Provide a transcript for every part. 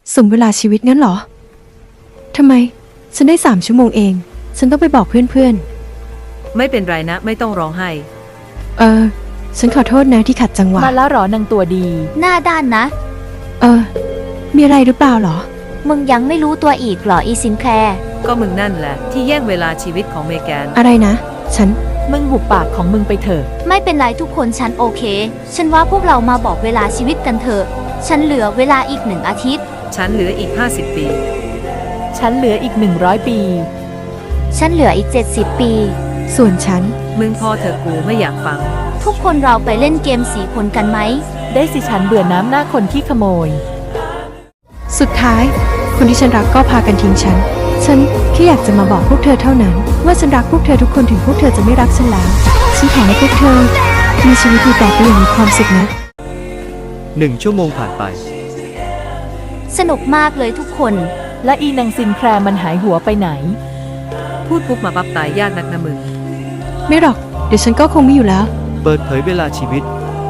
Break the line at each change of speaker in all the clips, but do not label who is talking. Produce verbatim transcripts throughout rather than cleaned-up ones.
สมเวลาชีวิตงั้นเหรอทำไมฉันได้สามชั่วโมงเองฉันต้องไปบอกเพื่อนๆ
ไม่เป็นไรนะไม่ต้องร้องไห้
เออฉันขอโทษนะที่ขัดจังหวะ
มาแล้วหรอนางตัวดี
หน้าด้านนะ
เออมีอะไรหรือเปล่าหรอ
มึงยังไม่รู้ตัวอีกเหรออีซินแคลร์
ก็มึงนั่นแหละที่แย่งเวลาชีวิตของเมแกน
อะไรนะฉัน
มึงหุบปากของมึงไปเถอะ
ไม่เป็นไรทุกคนฉันโอเคฉันว่าพวกเรามาบอกเวลาชีวิตกันเถอะฉันเหลือเวลาอีกหนึ่งอาทิตย์
ฉันเหลืออีกห้าสิบปี
ฉันเหลืออีกหนึ่งร้อยปี
ฉันเหลืออีกเจ็ดสิบปี
ส่วนฉัน
มึงพอเถอะกูไม่อยากฟัง
ทุกคนเราไปเล่นเกมสีคนกันไหม
ได้สิฉันเบื่อน้ำหน้าคนที่ขโมย
สุดท้ายคนที่ฉันรักก็พากันทิ้งฉันฉันแค่อยากจะมาบอกพวกเธอเท่านั้นว่าฉันรักพวกเธอทุกคนถึงพวกเธอจะไม่รักฉันแล้วฉันขอให้พวกเธอมีชีวิตอยู่ต่อไปอย่างมีความสุขนะ
หนึ่งชั่วโมงผ่านไป
สนุกมากเลยทุกคน
และอีนางซินแคลร์มันหายหัวไปไหน
พูดปุ๊บมาปั๊บตายยากนักนะมึง
ไม่หรอกเดี๋ยวฉันก็คงไม่อยู่แล้ว
เปิดเผยเวลาชีวิต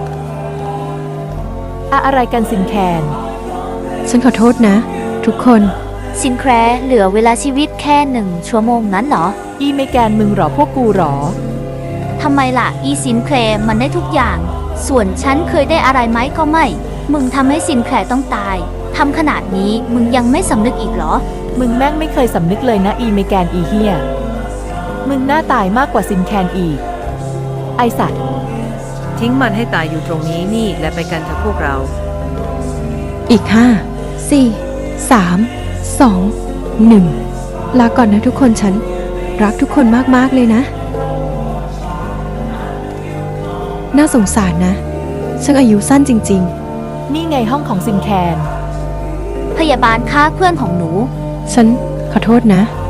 อะอะไรกันซินแคน
ฉันขอโทษนะทุกคน
ซินแคลร์เหลือเวลาชีวิตแค่หนึ่งชั่วโมงนั้นเหรอ
อีเมแกนมึงหรอพวกกูหรอ
ทำไมล่ะอีซินแคลร์มันได้ทุกอย่างส่วนฉันเคยได้อะไรไหมก็ไม่มึงทำให้ซินแคลร์ต้องตายทำขนาดนี้มึงยังไม่สำนึกอีกเหรอ
มึงแม่งไม่เคยสำนึกเลยนะอีเมแกนอีเฮียมึงน่าตายมากกว่าซินแคนอีกไอสัตว์
ทิ้งมันให้ตายอยู่ตรงนี้นี่และไปกันเถอะพวกเรา
อีกห้าสี่สามสองหนึ่งลาก่อนนะทุกคนฉันรักทุกคนมากๆเลยนะน่าสงสารนะฉันอายุสั้นจริง
ๆนี่ไงห้องของซินแคน
พยาบาลฆ่าเพื่อนของหนู
ฉันขอโทษนะ